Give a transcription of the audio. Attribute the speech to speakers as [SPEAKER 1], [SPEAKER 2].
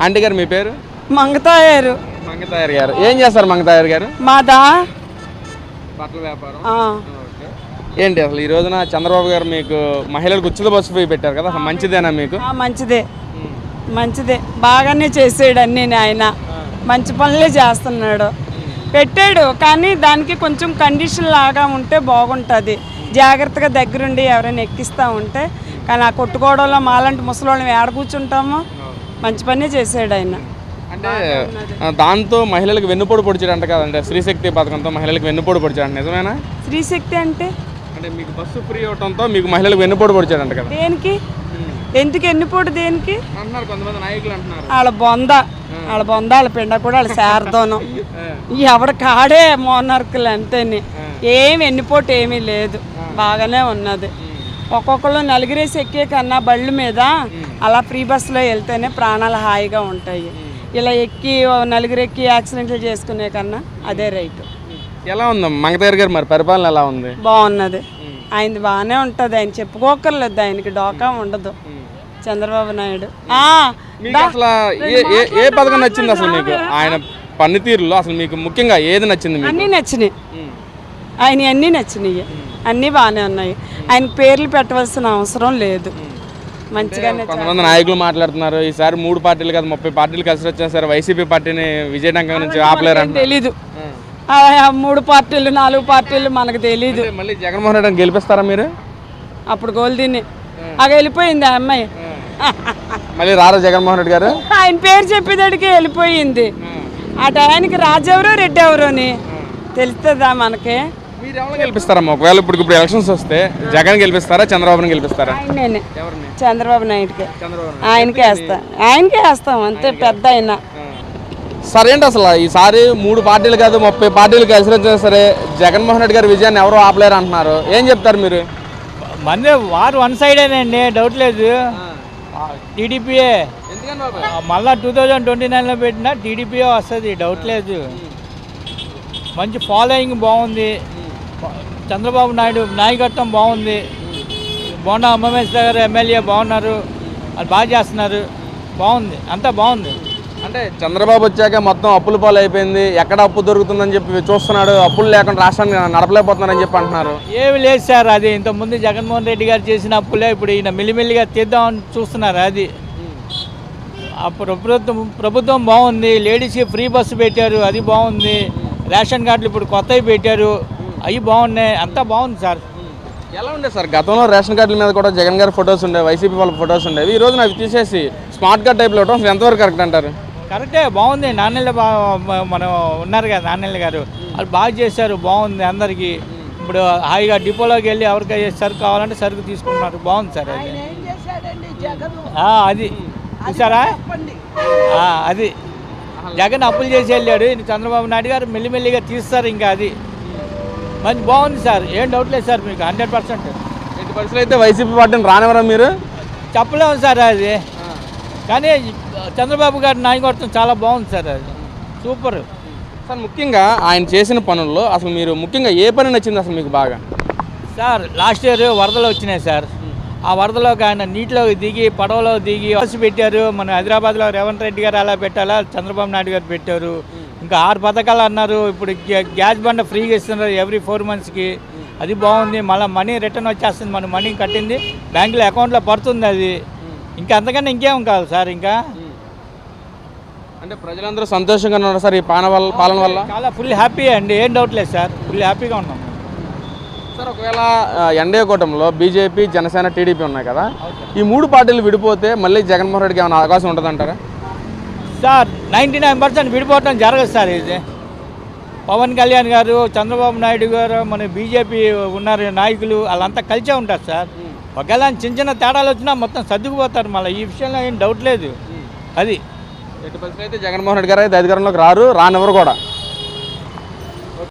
[SPEAKER 1] Aunty గారు మీ పేరు?
[SPEAKER 2] మంగతాయారు.
[SPEAKER 1] మంగతాయర్ గారు ఏం చేస్తారు? మంగతాయర్ గారు
[SPEAKER 2] మాదా
[SPEAKER 1] బట్టల వ్యాపారం. ఓకే. ఏంటి అసలు ఈ రోజున చంద్రబాబు గారు మీకు మహిళలకు ఉచిత బస్సు ఫ్రీ పెట్టారు కదా, అసలు మంచిదేనా మీకు?
[SPEAKER 2] మంచిదే, మంచిదే, బాగానే చేసాడు అన్నీ. ఆయన మంచి పనులే చేస్తున్నాడు, పెట్టాడు. కానీ దానికి కొంచెం కండిషన్ లాగా ఉంటే బాగుంటుంది, జాగ్రత్తగా దగ్గరుండి ఎవరైనా ఎక్కిస్తూ ఉంటే. కానీ ఆ కొట్టుకోవడంలో మాలాంటి ముసలోళ్ళం ఏడ కూర్చుంటామో. మంచి పనే చేసాడు ఆయన.
[SPEAKER 1] అంటే దాంతో మహిళలకు వెన్నుపోటు పొడిచాడంట కదంటే, స్త్రీశక్తి పథకంతో మహిళలకు వెన్నుపోటు పొడిచాడు, నిజమేనా?
[SPEAKER 2] స్త్రీశక్తి అంటే
[SPEAKER 1] అంటే మీకు బస్సు ఫ్రీ అవడంతో మీకు మహిళలకు వెన్నుపోటు పొడిచాడంట కదా?
[SPEAKER 2] దేనికి? ఎందుకు ఎన్నిపోటు దేనికి
[SPEAKER 1] అంటున్నారు కొంతమంది నాయకులు అంటున్నారు.
[SPEAKER 2] వాళ్ళ బొంద వాళ్ళ పిండ కూడా వాళ్ళ శారదోనం. ఎవరి కాడే మోనార్కులు అంతేని. ఏమి ఎన్నిపోటు ఏమీ లేదు, బాగానే ఉన్నది. ఒక్కొక్కరు నలుగురేసి ఎక్కే కన్నా బళ్ళు మీద అలా ఫ్రీ బస్సులో వెళ్తేనే ప్రాణాలు హాయిగా ఉంటాయి. ఇలా ఎక్కి నలుగురు ఎక్కి యాక్సిడెంట్లు చేసుకునే కన్నా అదే రైట్.
[SPEAKER 1] ఎలా ఉంది మంగతాయర్ గారు మరి పరిపాలన ఎలా ఉంది?
[SPEAKER 2] బాగున్నది, ఆయనది బాగానే ఉంటుంది. ఆయన చెప్పుకోకర్లేదు, ఆయనకి డోకా ఉండదు చంద్రబాబు నాయుడు.
[SPEAKER 1] మీకు అసలు ఏ పథకం నచ్చింది అసలు మీకు? ఆయన పనితీరులో అసలు మీకు ముఖ్యంగా ఏది నచ్చింది?
[SPEAKER 2] అన్నీ నచ్చినాయి, ఆయన అన్నీ నచ్చినాయి, అన్నీ బాగానే ఉన్నాయి. ఆయన పేర్లు పెట్టవలసిన అవసరం లేదు, మంచిగానే.
[SPEAKER 1] కొంతమంది నాయకులు మాట్లాడుతున్నారు ఈసారి 3 పార్టీలు కాదు 30 పార్టీలు కలిసి వచ్చేసారు, వైసీపీ పార్టీని విజయనగరం నుంచి ఆపలేరు.
[SPEAKER 2] తెలీదు, 3 పార్టీలు 4 పార్టీలు మనకు తెలీదు.
[SPEAKER 1] మళ్ళీ జగన్మోహన్ రెడ్డిని గెలిపిస్తారా మీరు?
[SPEAKER 2] అప్పుడు గోల్దీని వెళ్ళిపోయింది ఆ అమ్మాయి.
[SPEAKER 1] మళ్ళీ రారా జగన్మోహన్ రెడ్డి గారు?
[SPEAKER 2] ఆయన పేరు చెప్పేదాడికి వెళ్ళిపోయింది. ఆ టయానికి రాజెవరో రెడ్డి ఎవరోని తెలుస్తుందా మనకి?
[SPEAKER 1] మీరు ఎవరు గెలిపిస్తారమ్మా ఒకవేళ ఇప్పుడు ఎలక్షన్స్ వస్తే? జగన్ గెలిపిస్తారా, చంద్రబాబుని గెలిపిస్తారా?
[SPEAKER 2] ఆయనే, చంద్రబాబు నాయుడుకి. ఆయనకే వేస్తాం అంతే, పెద్ద అయినా.
[SPEAKER 1] సరే ఏంటి అసలు ఈసారి 3 పార్టీలు కాదు 30 పార్టీలు కలిసి వచ్చినా సరే జగన్మోహన్ రెడ్డి గారి విజయాన్ని ఎవరు ఆపలేరు అంటున్నారు, ఏం చెప్తారు మీరు?
[SPEAKER 3] మంది వారు వన్ సైడేనండి, డౌట్ లేదు. టీడీపీయే మళ్ళీ 2029లో పెట్టినా టీడీపీయే వస్తుంది, డౌట్ లేదు. మంచి ఫాలోయింగ్ బాగుంది, చంద్రబాబు నాయుడు నాయకత్వం బాగుంది. బోండా ఉమామేశ్వర గారు ఎమ్మెల్యే బాగున్నారు, వాళ్ళు బాగా చేస్తున్నారు, బాగుంది, అంతా బాగుంది.
[SPEAKER 1] అంటే చంద్రబాబు వచ్చాక మొత్తం అప్పుల పాలు అయిపోయింది, ఎక్కడ అప్పు దొరుకుతుందని చెప్పి చూస్తున్నాడు, అప్పులు లేకుండా రాష్ట్రాన్ని నడపలేకపోతున్నారని చెప్పి అంటున్నారు.
[SPEAKER 3] ఏమి లేదు సార్, అది ఇంతకుముందు జగన్మోహన్ రెడ్డి గారు చేసిన అప్పులే ఇప్పుడు ఈయన మెల్లిమెల్లిగా తీద్దామని చూస్తున్నారు. అది అప్పుడు ప్రభుత్వం బాగుంది, లేడీస్కి ఫ్రీ బస్సు పెట్టారు, అది బాగుంది. రేషన్ కార్డులు ఇప్పుడు కొత్తవి పెట్టారు, అవి బాగున్నాయి, అంతా బాగుంది సార్.
[SPEAKER 1] ఎలా ఉండే సార్ గతంలో రేషన్ కార్డుల మీద కూడా జగన్ గారి ఫొటోస్ ఉండేవి, వైసీపీ వాళ్ళ ఫొటోస్ ఉండేవి, ఈ రోజున అవి తీసేసి స్మార్ట్ కార్డ్ టైప్లో ఇవ్వడం ఎంతవరకు కరెక్ట్ అంటారు?
[SPEAKER 3] కరెక్టే, బాగుంది. నాన్నెళ్ళ మనం ఉన్నారు కదా నాన్నెళ్ళ గారు, వాళ్ళు బాగా చేశారు, బాగుంది అందరికీ. ఇప్పుడు హాయిగా డిపోలోకి వెళ్ళి ఎవరికైనా సరుకు కావాలంటే సరుకు తీసుకుంటున్నారు, బాగుంది సార్. అది చూసారా, అది జగన్ అప్పులు చేసి వెళ్ళాడు, చంద్రబాబు నాయుడు గారు మెల్లిమెల్లిగా తీస్తారు, ఇంకా అది మంచి బాగుంది సార్, ఏం డౌట్ లేదు సార్ మీకు 100%.
[SPEAKER 1] ఎట్టి పరిస్థితులు అయితే వైసీపీ పార్టీని రానివ్వరా మీరు?
[SPEAKER 3] చెప్పలేము సార్ అది, కానీ చంద్రబాబు గారి నాయకత్వం చాలా బాగుంది సార్, అది సూపర్
[SPEAKER 1] సార్. ముఖ్యంగా ఆయన చేసిన పనుల్లో అసలు మీరు ముఖ్యంగా ఏ పని నచ్చింది అసలు మీకు బాగా?
[SPEAKER 3] సార్ లాస్ట్ ఇయర్ వరదలు వచ్చినాయి సార్, ఆ వరదలోకి ఆయన నీటిలో దిగి పడవలో దిగి బస్సు పెట్టారు. మన హైదరాబాద్లో రేవంత్ రెడ్డి గారు అలా పెట్టాలా, చంద్రబాబు నాయుడు గారు పెట్టారు. ఇంకా 6 పథకాలు అన్నారు, ఇప్పుడు గ్యాస్ బండ ఫ్రీగా ఇస్తున్నారు ఎవ్రీ 4 monthsకి, అది బాగుంది. మళ్ళీ మనీ రిటర్న్ వచ్చేస్తుంది, మన మనీ కట్టింది బ్యాంకులో అకౌంట్లో పడుతుంది, అది ఇంకా అంతకన్నా ఇంకేం కావాలి సార్. ఇంకా
[SPEAKER 1] అంటే ప్రజలందరూ సంతోషంగా ఉన్నారు సార్ ఈ పాలన వల్ల?
[SPEAKER 3] చాలా ఫుల్ హ్యాపీ అండి, ఏం డౌట్ లేదు సార్, ఫుల్ హ్యాపీగా ఉన్నాం
[SPEAKER 1] సార్. ఒకవేళ ఎన్డీఏ కూటమిలో బీజేపీ, జనసేన, టీడీపీ ఉన్నాయి కదా, ఈ 3 పార్టీలు విడిపోతే మళ్ళీ జగన్మోహన్ రెడ్డికి ఏమైనా అవకాశం ఉంటుందంటారా?
[SPEAKER 3] సార్ 99% విడిపోవటం జరగదు సార్. ఇది పవన్ కళ్యాణ్ గారు, చంద్రబాబు నాయుడు గారు, మన బీజేపీ ఉన్నారు నాయకులు, వాళ్ళంతా కలిసే ఉంటారు సార్. ఒకవేళ చిన్న చిన్న తేడాలు వచ్చినా మొత్తం సర్దుకుపోతారు, మళ్ళీ ఈ విషయంలో ఏం డౌట్ లేదు. అది
[SPEAKER 1] ఎట్టి పరిస్థితులు అయితే జగన్మోహన్ రెడ్డి గారు అయితే అధికారంలోకి రానివ్వరు కూడా.